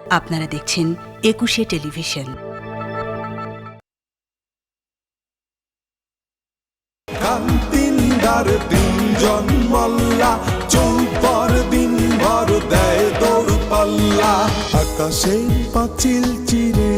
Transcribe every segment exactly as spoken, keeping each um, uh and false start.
আপনারা দেখছেন একুশে টেলিভিশন। কান্তিন্দার তিনজন মল্লা চৌপর দিন ভর দেয় দৌড় পাল্লা। আকাশের পাঁচিল চিরে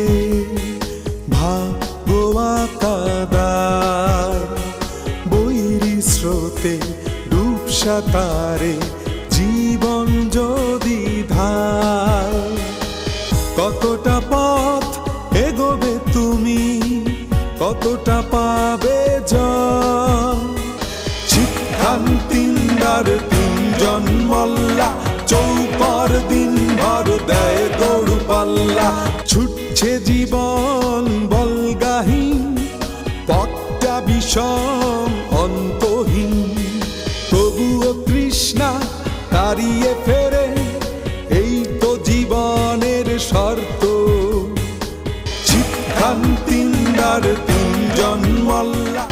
ভাগোয়া কাদার বৈরী স্রোতে ডুব সাঁতারে জীবন যদি ধার। কতটা পথ এগোবে তুমি, কতটা পাবে জয়। শিক্ষান্তিন্দার তিনজন মল্লা চৌপর দিন ভর দেয় দৌড় পাল্লা। ছুটছে জীবন বলগাহীন, পথটা বিষম অন্তহীন, তবুও তৃষ্ণা তাড়িয়ে ফেরে, এই তো জীবনের শর্ত। শিক্ষান্তিন্দার তিনজন মল্লা।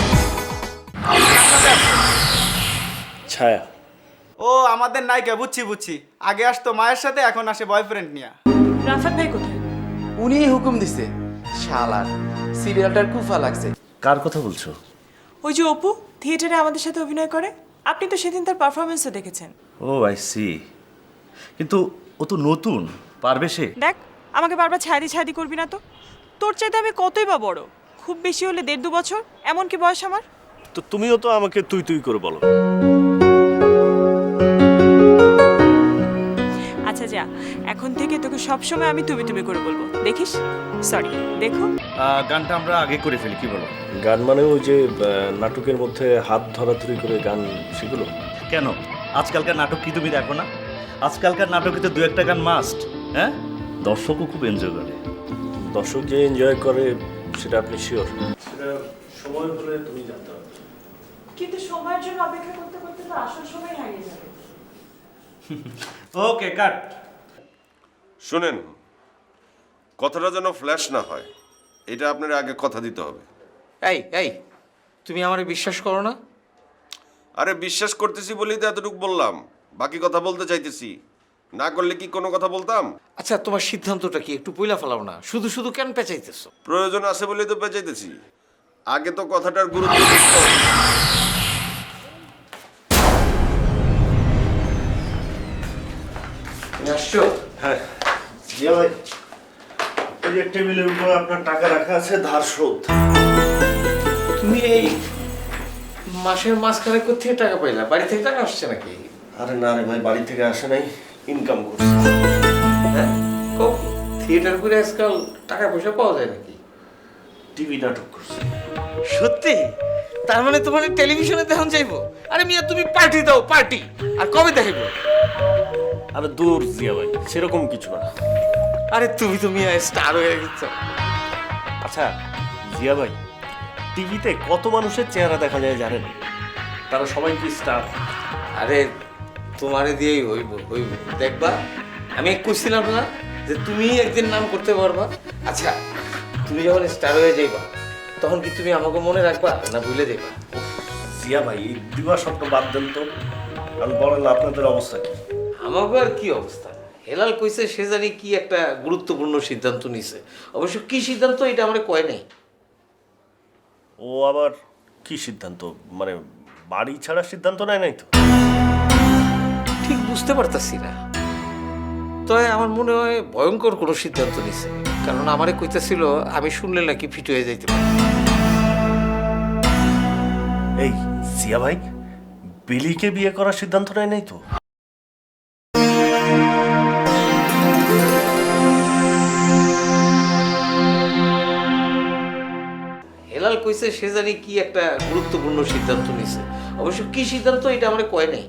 ছায়া, ও আমাদের নায়িকা, বুঝছি বুঝছি। আগে আসতো মায়ের সাথে, এখন আসে বয়ফ্রেন্ড নিয়ে। রাফাত ভাই কোথায়? উনি হুকুম দিছে। শালার সিরিয়ালটার কুফা লাগছে। কার কথা বলছো? ওই যে অপু থিয়েটারে আমাদের সাথে অভিনয় করে, আপনি তো সেদিন তার পারফরমেন্সও দেখেছেন। Oh I see. কিন্তু ও তো নতুন, পারবে সে? দেখ, আমাকে বারবার ছায়াদি ছায়াদি করবি না তো। তোর চাইতে আমি কতই বা বড়, খুব বেশি হলে দেড় দু বছর, এমন কি বয়স আমার। তো তুমিও তো আমাকে তুই তুই করে বলো। আচ্ছা যা, এখন থেকে তোকে সবসময় আমি তুমি তুমি করে বলবো, দেখিস? সরি, দেখো। গানটা আমরা আগে করে ফেলি, কি বলো? গান মানে ওই যে নাটকের মধ্যে হাত ধরাধরি করে গান, সেগুলো? কেন, আজকালকার নাটক কি তুমি দেখো না? আজকালকার নাটকে তো দু একটা গান মাস্ট। হ্যাঁ, দর্শকও খুব এনজয় করে। দর্শক যে এনজয় করে সেটা আপনি শিওর? সেটা সময় হলে তুমি জানতে পারবে। কিন্তু সময়ের জন্য অপেক্ষা করতে করতে তো আসল সময় হারিয়ে যাবে। ওকে, কাট। শুনেন, কথাটা যেন ফ্ল্যাশ না হয়, এটা আপনার আগে কথা দিতে হবে। এই এই তুমি আমারে বিশ্বাস করো না? আরে বিশ্বাস করতেছি বলেই তো এতটুকু বললাম, বাকি কথা বলতে চাইতেছি। না করলে কি কোনো কথা বলতাম? আচ্ছা, তোমার সিদ্ধান্তটা কি একটু পইলা ফেলাও না? শুধু শুধু কেন পেঁচাইতেছো? প্রয়োজন আছে বলেই তো পেঁচাইতেছি। আগে তো কথাটার গুরুত্ব বুঝতে হবে। আসছো? হ্যাঁ জিয়া ভাই, এই যে টেবিলের উপর আপনার টাকা রাখা আছে, ধার শোধ। তুমি এই মাসের মাঝখানে কোথেকে টাকা পাইলা? বাড়ি থেকে টাকা আসছে নাকি? আরে না রে ভাই, বাড়ি থেকে আসে নাই, ইনকাম করছে। হ্যাঁ, থিয়েটার করে আজকাল টাকা পয়সা পাওয়া যায় নাকি? টিভি নাটক করছে। সত্যি? তার মানে তোমার টেলিভিশনে দেখান যাইবো? আরে মিয়া, তুমি পার্টি দাও, পার্টি। আর কবে দেখাইবো? আরে দূর জিয়া ভাই, সেরকম কিছু না। আরে তুমি তো মিয়া স্টার হয়ে গেছো। আচ্ছা জিয়া ভাই, টিভিতে কত মানুষের চেহারা দেখা যায় জানেন? তারা সবাই কি স্টার? আরে তোমারে দিয়েই হইব হইব দেখবা। আমি কইছিলাম না যে তুমি একদিন নাম করতে পারবা? আচ্ছা, তুমি যখন স্টার হয়ে যাইবা তখন কি তুমি আমাকে মনে রাখবা না ভুলে যাইবা? জিয়া ভাই, এই দিবা স্বপ্ন বাদ দেন তো। আমি বলেন আপনাদের অবস্থা কি? আমাকে আর কি অবস্থা? হেলাল কইছে সে জানি কি একটা গুরুত্বপূর্ণ সিদ্ধান্ত নিছে। অবশ্য কি সিদ্ধান্ত এটা আমরা কয় নাই। ও আবার কি সিদ্ধান্ত? মানে বাড়ি ছাড়ার সিদ্ধান্ত নেয় নাই তো? ঠিক বুঝতে পারতাছি না, তবে আমার মনে হয় ভয়ঙ্কর কোনো সিদ্ধান্ত নিছে। কারণ আমারে কইতেছিল আমি শুনলে নাকি ফিট হয়ে যাইতে পারি। এই জিয়া ভাই, বিলিকে বিয়ে করার সিদ্ধান্ত নেয় নাই তো? হেলাল কইছে সে জানি কি একটা গুরুত্বপূর্ণ সিদ্ধান্ত নিছে। অবশ্য কি সিদ্ধান্ত এটা আমরা কয় নাই।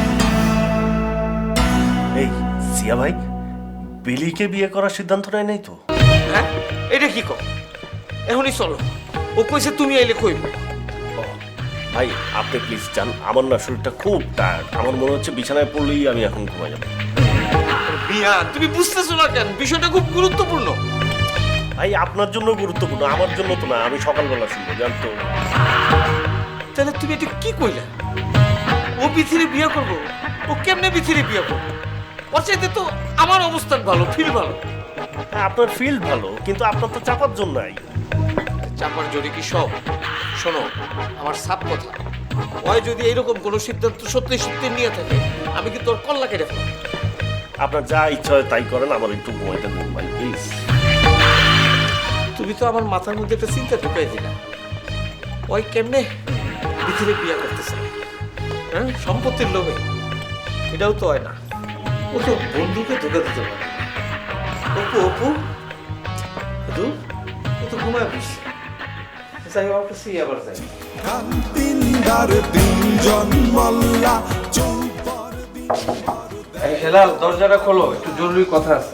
এই জিয়া ভাই, বিলিকে বিয়ে করার সিদ্ধান্ত নেয় নাই তো? হ্যাঁ, এটা কি কও? এখনই চলো, ও কইছে তুমি আইলে কইব। ভাই আপনি প্লিজ যান, আমার না শরীরটা খুব টায়ার্ড। আমার মনে হচ্ছে বিছানায় পড়লেই আমি এখন ঘুমাই যাবো। মিয়া, তুমি বুঝতেছো না কেন? বিষয়টা খুব গুরুত্বপূর্ণ। ভাই আপনার জন্য গুরুত্বপূর্ণ, আমার জন্য তো না। আমি সকালবেলা শুনবো, জানতো? তাহলে তুমি এটা কি কইলা? ও বিথিরে বিয়ে করবো? ও কেমনে বিথিরে বিয়ে করবো? ওর চাইতে তো আমার অবস্থান ভালো, ফিল ভালো। হ্যাঁ, আপনার ফিল্ড ভালো, কিন্তু আপনার তো চাপার জন্য নাই। চাপার জোরে কি সব? শোনো, আমার সাপ কথা, ওই যদি এইরকম কোনো সিদ্ধান্ত সত্যি সত্যি নিয়ে থাকে, আমি কিন্তু ওর কল্লা কেটে ফেলাম। আপনার যা ইচ্ছা হয় তাই করেন, আমার একটু ঘুমাইতে দিন ভাই প্লিজ। তুমি তো আমার মাথার মধ্যে একটা চিন্তা ঢুকাই দিলা। ওই কেমনে পৃথিবী বিয়ে করতেছে, হ্যাঁ, সম্পত্তির লোভে? এটাও তো হয় না। ও তো বন্ধুকে ধোকা দিতে পারে। অপু অপু দু ও তো ঘুমায় বসছে। যাই হোক, কাছে আবার যাই। তিনদার তিনজন মল্লা চৌপর দিন এই হেলাল, দরজাটা খোলো, একটু জরুরি কথা আছে।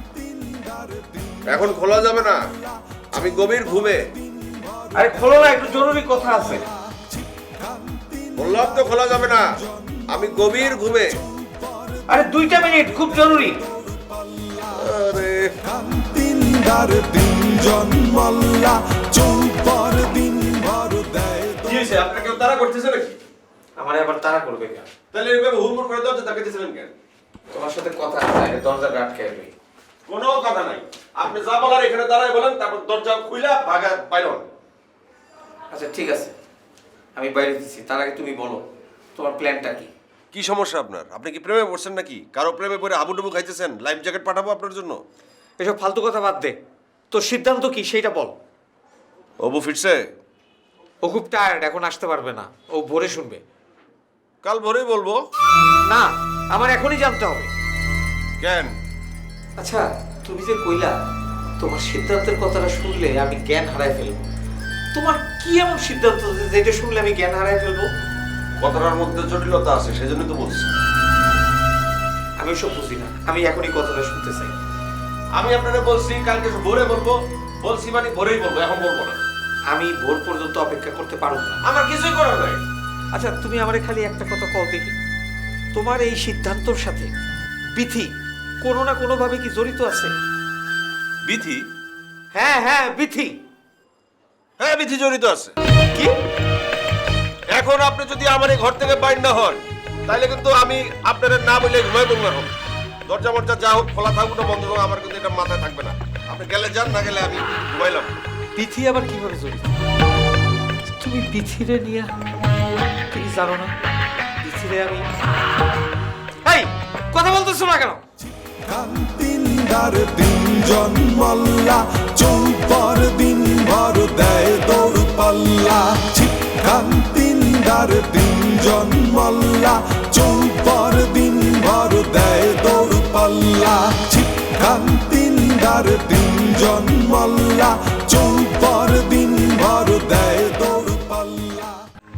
এখন খোলা যাবে না, আমি গভীর ঘুমে। আরে খোলো না, একটু জরুরি কথা আছে। বললাম তো খোলা যাবে না, আমি গভীর ঘুমে। আরে দুইটা মিনিট, খুব জরুরি। আরে তিনদার তিনজন মল্লা চৌপর দিন ভর দেয় কি হয়েছে? আপনার কেউ তারা করতেছে নাকি? আমার আবার তাড়া করবে কেন? তাহলে এভাবে হুড়মুড় করে দরজা তাকাইতেছিলেন কেন? তোমার সাথে কথা আছে, আগে দরজাটা আটকে যাবে। কোনো কথা নাই, আপনি যা বলার এখানে দাঁড়ায় বলেন, তারপর দরজা খুইলা ভাগা বাইর হন। আচ্ছা ঠিক আছে, আমি বাইরে দিচ্ছি, তার আগে তুমি বলো তোমার প্ল্যানটা কি? কি সমস্যা আপনার? আপনি কি প্রেমে পড়ছেন নাকি? কারো প্রেমে পড়ে হাবুডুবু খাইতেছেন? লাইফ জ্যাকেট পাঠাবো আপনার জন্য? এসব ফালতু কথা বাদ দে, তোর সিদ্ধান্ত কি সেইটা বল। অবু ফিরছে? ও খুব টায়ার্ড, এখন আসতে পারবে না, ও ভোরে শুনবে। কাল ভোরেই বলবো। না, আমার এখনই জানতে হবে। কেন? আচ্ছা তুমি যে কইলা তোমার সিদ্ধান্তের কথাটা শুনলে আমি জ্ঞান হারাই ফেলবো, তোমার কি এমন সিদ্ধান্ত যে যেটা শুনলে আমি জ্ঞান হারাই ফেলবো? কথাটার মধ্যে জটিলতা আছে, সেজন্য তো বলছি। আমি ওসব বুঝি না, আমি এখনই কথাটা শুনতে চাই। আমি আপনারা বলছি কালকে ভোরে বলবো, বলছি মানে ভোরেই বলবো, এখন বলবো না। আমি ভোর পর্যন্ত অপেক্ষা করতে পারবো না। আমার কিছুই করার নাই। আচ্ছা তুমি আমারে খালি একটা কথা কও দেখি, তোমার এই সিদ্ধান্তর সাথে বিথি কোনো না কোনো ভাবে কি জড়িত আছে? বিথি? হ্যাঁ হ্যাঁ বিথি। হ্যাঁ, বিথি জড়িত আছে। কি? এখন আপনি যদি আমার এই ঘর থেকে বাইর না হন, তাহলে কিন্তু আমি আপনারা না বলে ঘুমাই বলবো। এখন দরজা মরজা যা হোক খোলা থাকুক না বন্ধ হোক, আমার কিন্তু এটা মাথায় থাকবে না। আপনি গেলে যান, না গেলে আমি ঘুমাইলাম। বিথি আবার কিভাবে জড়িত? তুমি বিথিরে নিয়ে তুমি জানো না বিথিরে আমি? এই কথা বলতেছো না কেন? তিনদার তিনজন মল্লা চৌপর দিন ভর দেয় দৌড় পাল্লা। শিক্ষান তিনদার তিনজন মল্লা চৌপর দিন ভর দেয় দৌড় পাল্লা। শিক্ষান তিনদার তিনজন মল্লা চৌপর দিন ভর দেয় দৌড় পাল্লা।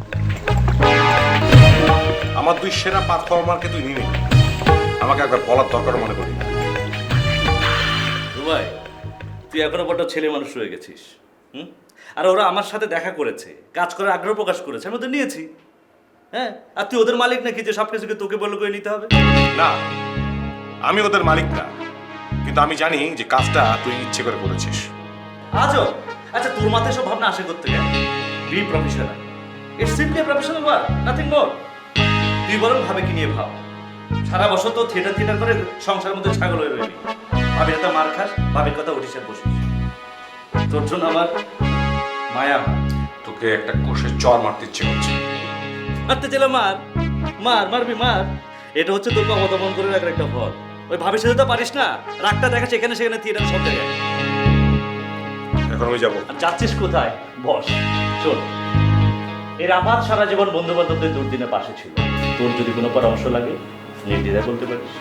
আমার দুই সেরা পারফর্মারকে তুই নিবি, আমাকে একবার বলার দরকার মনে করি না। রুবাই, তুই এখনো বড় ছেলে মানুষ রয়ে গেছিস। হুম, আর ওরা আমার সাথে দেখা করেছে, কাজ করার আগ্রহ প্রকাশ করেছে, আমি ওদের নিয়েছি। হ্যাঁ, আর তুই ওদের মালিক নাকি যে সব কিছুকে তোকে বলে করে নিতে হবে? না, আমি ওদের মালিক না, কিন্তু আমি জানি যে কাজটা তুই ইচ্ছে করে করেছিস। আজও আচ্ছা, তোর মাথায় সব ভাবনা আসে করতে গেলে be professional, it's simply a professional work, nothing more. তুই বরং ভাবে কি নিয়ে ভাব। সারা বছর তো থিয়েটার থিয়েটার করে সংসারের মধ্যে ছাগল হয়ে রইলি, ভাবির কথা মার খাস, ভাবির কথা উঠিস আর বসিস। তোর জন্য আমার মায়া। তোকে একটা কোষে চর মারতে ইচ্ছে করছে। মারতে চাইলে মার, মার মারবি মার। এটা হচ্ছে তোকে অবদমন করে রাখার একটা ফল। ওই ভাবির সাথে তো পারিস না, রাগটা দেখাস এখানে সেখানে থিয়েটার সব জায়গায়। এখন আমি যাবো। আর যাচ্ছিস কোথায়? বস, শোন, এর আপাত সারা জীবন বন্ধু বান্ধবদের দুর্দিনে পাশে ছিল। তোর যদি কোনো পরামর্শ লাগে নির্দ্বিধায় বলতে পারিস।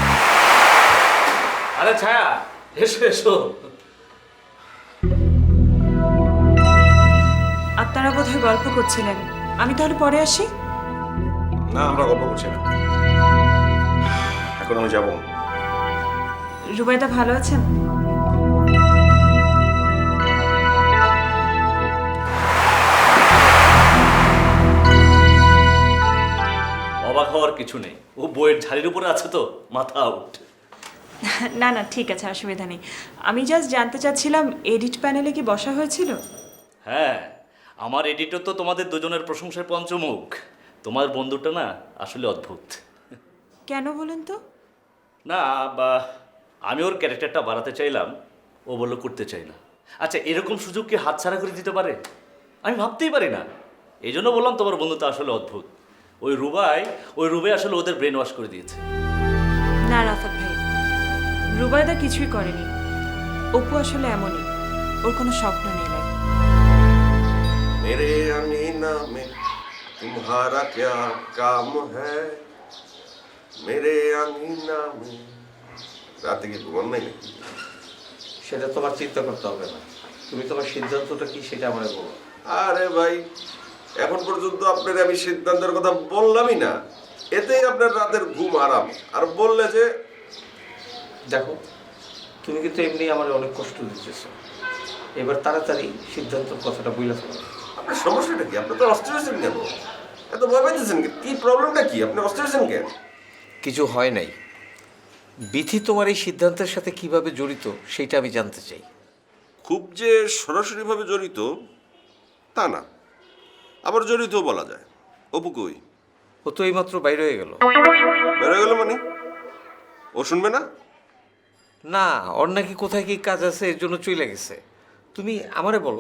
আরে ছায়া, এসো এসো। আপনারা বোধহয় গল্প করছিলেন, আমি তাহলে পরে আসি। না, আমরা গল্প করছি না, এখন আমি যাবো। রুবাইদা ভালো আছেন? অবাক হওয়ার কিছু নেই, ও বইয়ের ঝাড়ির উপরে আছে তো, মাথা আউট। না না ঠিক আছে, অসুবিধা নেই। আমি জাস্ট জানতে চাচ্ছিলাম এডিট প্যানেলে কি বসা হয়েছিল? হ্যাঁ, আমার এডিটর তো তোমাদের দুজনের প্রশংসার পঞ্চমুখ। তোমার বন্ধুটা না আসলে অদ্ভুত। কেন বলেন তো? না বা আমি ওর ক্যারেক্টারটা বাড়াতে চাইলাম, ও বললো করতে চাই না। আচ্ছা, এরকম সুযোগ কি হাতছাড়া করে দিতে পারে? আমি ভাবতেই পারি না। এই জন্য বললাম তোমার বন্ধুত্ব আসলে অদ্ভুত। ওই রুবাই ওই রুবাই আসলে ওদের ব্রেন ওয়াশ করে দিয়েছে। না রাফাত ভাই, রুবাইদা কিছুই করেনি। অপু আসলে এমনই, ওর কোনো স্বপ্ন নেই। ভাই मेरे अंगीना में तुम्हारा क्या काम है मेरे अंगीना में রাতে কি ঘুমান নাই নাকি? সেটা তোমার চিন্তা করতে হবে না, তুমি তোমার সিদ্ধান্তটা কি সেটা আমাকে বলো। আরে ভাই, এখন পর্যন্ত আপনার আমি সিদ্ধান্তের কথা বললামই না, এতেই আপনার রাতের ঘুম আরাম। আর বললে যে দেখো, তুমি কিন্তু এমনি আমার অনেক কষ্ট দিচ্ছ, এবার তাড়াতাড়ি সিদ্ধান্তের কথাটা বইলা ফেলো। আপনার সমস্যাটা কি? আপনি তো অস্থির হয়েছেন কেন? এত ভয় পাইতেছেন কেন? কি প্রবলেমটা কি? আপনি অস্থির হয়েছেন কেন? কিছু হয় নাই, বিথি তোমার এই সিদ্ধান্তের সাথে কিভাবে জড়িত সেটা আমি জানতে চাই। খুব যে সরাসরিভাবে জড়িত তা না, আবার জড়িতও বলা যায়। অপু কই? ও তো এইমাত্র বাইরে হয়ে গেল। বেরোয় গেল মানে? ও শুনবে না? না, ওর নাকি কোথায় কি কাজ আছে, এর জন্য চলে গেছে। তুমি আমারে বলো।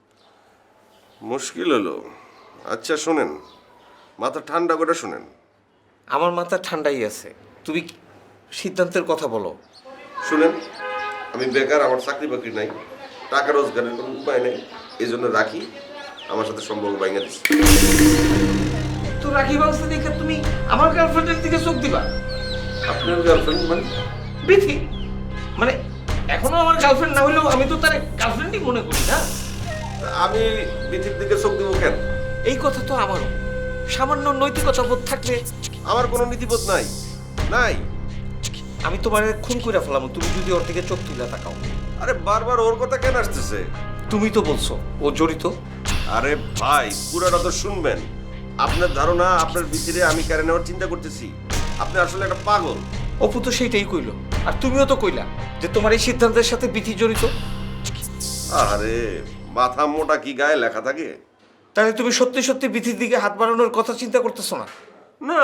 মুশকিল হলো। আচ্ছা শোনেন, মাথা ঠান্ডা করে শোনেন। আমার মাথা ঠান্ডাই আছে, তুমি সিদ্ধান্তের কথা বলো। শুনেন, আমি বেকার, আমার চাকরি বাকরি নাই, টাকা রোজগারের কোনো উপায় নেই, এই জন্য রাখি আমার সাথে সম্পর্ক ভাঙা দিচ্ছে। তো রাখি ব্যবস্থা দেখে তুমি আমার গার্লফ্রেন্ডের দিকে চোখ দিবা? আপনার গার্লফ্রেন্ড মানে? বিথি মানে এখনো আমার গার্লফ্রেন্ড না হলেও আমি তো তার গার্লফ্রেন্ডই মনে করি না। আমি বিথির দিকে চোখ দিব কেন? এই কথা তো আমারও। সামান্য নৈতিকতা বোধ থাকলে। আমার কোনো নীতিবোধ নাই নাই আমি তোমার খুন করে ফেলাম তুমি যদি ওর দিকে চোখ তুলে তাকাও। আরে বারবার ওর কথা কেন আসতেছে? তুমি তো বলছো ও জড়িত। আরে ভাই, পুরোটা তো শুনবেন। আপনার ধারণা আপনার ভিতরে আমি কেড়ে নেওয়ার চিন্তা করতেছি? আপনি আসলে একটা পাগল। অপু তো সেইটাই কইলো, আর তুমিও তো কইলা যে তোমার এই সিদ্ধান্তের সাথে বিথি জড়িত। আরে মাথা মোটা কি গায়ে লেখা থাকে? তাহলে তুমি সত্যি সত্যি বিথির দিকে হাত বাড়ানোর কথা চিন্তা করতেছো না? না।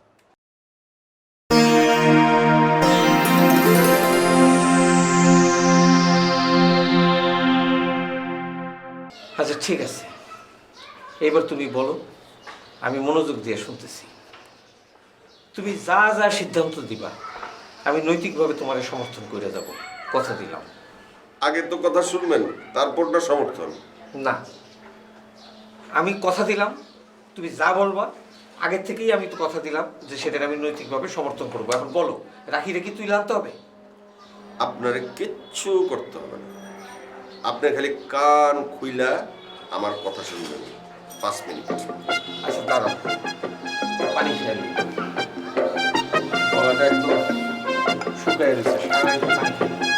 আচ্ছা ঠিক আছে, এবার তুমি বলো, আমি মনোযোগ দিয়ে শুনতেছি। তুমি যা যা সিদ্ধান্ত দিবা আমি নৈতিকভাবে তোমার সমর্থন করে যাব, কথা দিলাম। আগে তো কথা শুনবেন, তারপর না সমর্থন। না, আমি কথা দিলাম, তুমি যা বলবা আগের থেকেই আমি তো কথা দিলাম যে সেটাকে আমি নৈতিকভাবে সমর্থন করবো। এখন বলো, রাখি রেখে তুই আনতে হবে? আপনারে কিচ্ছু করতে হবে না, আপনি খালি কান খুইলা আমার কথা শুনবেন পাঁচ মিনিট। আচ্ছা দাঁড়াও, পানি খেয়ে নিই। গলাটা একদম শুকায় রয়েছে, সারা একটু পানি খেয়ে নিই।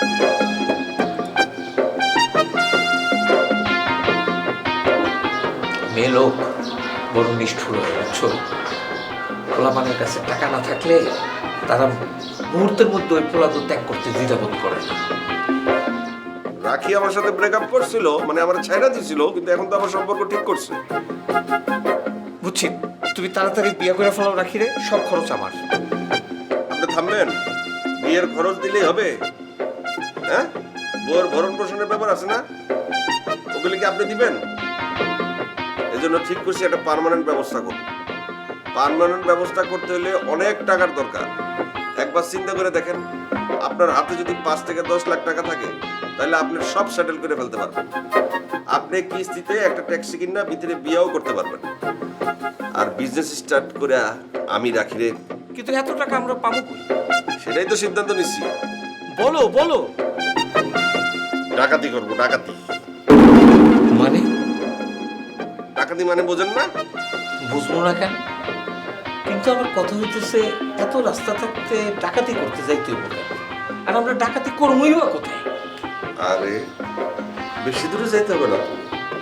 মেয়ে লোক বড় নিষ্ঠুর হয়ে যাচ্ছ। পোলাপানের কাছে টাকা না থাকলে তারা মুহূর্তের মধ্যে ওই পোলাদু ত্যাগ করতে দ্বিধাবোধ করে না। রাখি আমার সাথে ব্রেকআপ করছিল, মানে আমার ছাইড়া দিছিল, কিন্তু এখন তো আমার সম্পর্ক ঠিক করছে। বুঝছি, তুমি তাড়াতাড়ি বিয়ে করে ফেলাও রাখি রে, সব খরচ আমার। আপনি থামবেন? বিয়ের খরচ দিলেই হবে? হ্যাঁ, বউয়ের ভরণ পোষণের ব্যাপার আছে না, ওগুলি কি আপনি দিবেন? এই জন্য ঠিক করছি একটা পার্মানেন্ট ব্যবস্থা করব। পার্মানেন্ট ব্যবস্থা করতে হলে অনেক টাকার দরকার। একবার চিন্তা করে দেখেন, আপনার হাতে যদি পাঁচ থেকে দশ লাখ টাকা থাকে তাহলে আপনি সব সেটেল করে ফেলতে পারবেন। আপনি কিস্তিতে একটা ট্যাক্সি কিনা ভিতরে বিয়েও করতে পারবেন, আর বিজনেস স্টার্ট করে আমি রাখি রে। কিন্তু এত টাকা আমরা পাবো কই? সেটাই তো সিদ্ধান্ত নিচ্ছি। বলো বলো। ডাকাতি করবো, ডাকাতি। মানে? ডাকাতি মানে বোঝেন না? বুঝবো না কেন? কিন্তু আমার কথা হইতেছে, এত রাস্তা থাকতে ডাকাতি করতে যাইতে হবে কেন? আর আমরা ডাকাতি করবোই বা কোথায়? আরে বেশি দূরে যাইতে হবে না তো।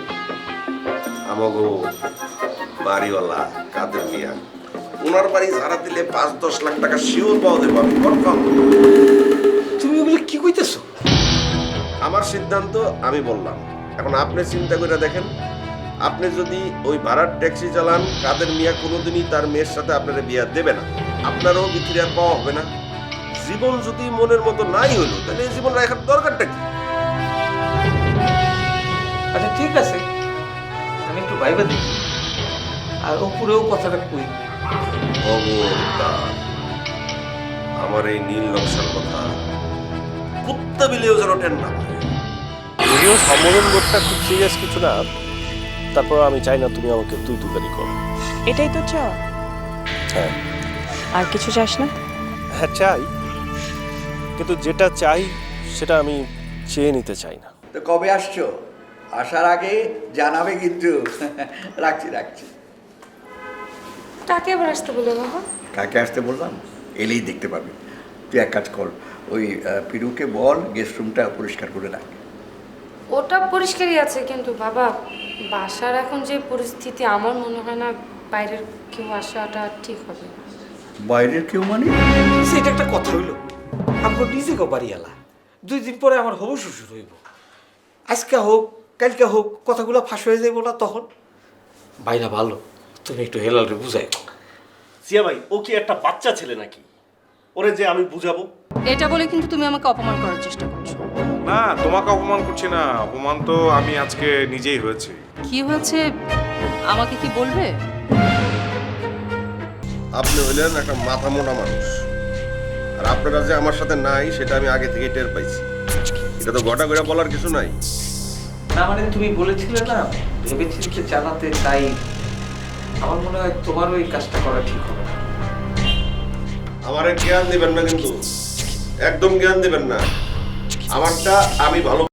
আমাগো বাড়িওয়ালা কাদের মিয়া, ওনার বাড়ি ঝাড়া দিলে পাঁচ দশ লাখ টাকা শিওর পাওয়া যাবে, আমি কনফার্ম। তুমি ওগুলো কি কইতেছো? আমার সিদ্ধান্ত আমি বললাম, এখন আপনি চিন্তা করে দেখেন। আপনি যদি ওই ভাড়ার ট্যাক্সি চালান, কাদের মিয়া কোনোদিনই তার মেয়ের সাথে আপনার বিয়ে দেবে না, আপনারও বিক্রি আর পাওয়া হবে না। জীবন যদি মনের মতো নাই হলো তাহলে এই জীবন রাখার দরকারটা কি? আচ্ছা ঠিক আছে, আমি একটু ভাইবা দেখি আর ওপরেও কথাটা কই। খবরদার আমার এই নীল নকশার কথা কুত্তা বিলেও যেন টেন না পায়। যদিও সম্বোধন বোধটা খুব সিরিয়াস কিছু না, তারপর আমি চাই না তুমি আমাকে তুই তুকারি করো। এটাই তো চাও, হ্যাঁ আর কিছু চাস না? হ্যাঁ চাই, কিন্তু যেটা চাই সেটা আমি চেয়ে নিতে চাই না। তো কবে আসছো? আসার আগে জানাবে কিন্তু। রাখছি রাখছি। কাকে আবার আসতে বলে বাবা? কাকে আসতে বললাম? এলেই দেখতে পাবি। তুই এক কাজ কর, ওই আহ, পিরুকে বল গেস্ট রুমটা পরিষ্কার করে রাখ। ওটা পরিষ্কারই আছে, কিন্তু বাবা বাসার এখন যে পরিস্থিতি, আমার মনে হয় না বাইরের কেউ আসাটা ঠিক হবে। বাইরের কেউ মানে? সেটা একটা কথা হইল, আমার নিজে গো বাড়িয়ালা, দুই দিন পরে আমার হবু শ্বশুর হইব। আজকে হোক কালকে হোক কথাগুলো ফাঁস হয়ে যাইব না তখন? বাইরা ভালো, তুমি একটু হেলালরে বুঝাই। জিয়া ভাই, ও কি একটা বাচ্চা ছেলে নাকি ওরে যে আমি বুঝাবো? এটা বলে কিন্তু তুমি আমাকে অপমান করার চেষ্টা করছো। না, তোমাকে অপমান করছি না, অপমান তো আমি আজকে নিজেই হয়েছে। কি হয়েছে আমাকে কি বলবে? আপনি হইলেন একটা মাথা মোটা মানুষ, আর আপনারা যে আমার সাথে নাই সেটা আমি আগে থেকে টের পাইছি। এটা তো ঘটা করে বলার কিছু নাই। না মানে তুমি বলেছিলে না ভেবেচিন্তে জানাতে, তাই আমার মনে হয় তোমার ওই কাজটা করা ঠিক হবে না। আমারে জ্ঞান দিবেন না কিন্তু, একদম জ্ঞান দিবেন না। আমারটা আমি ভালো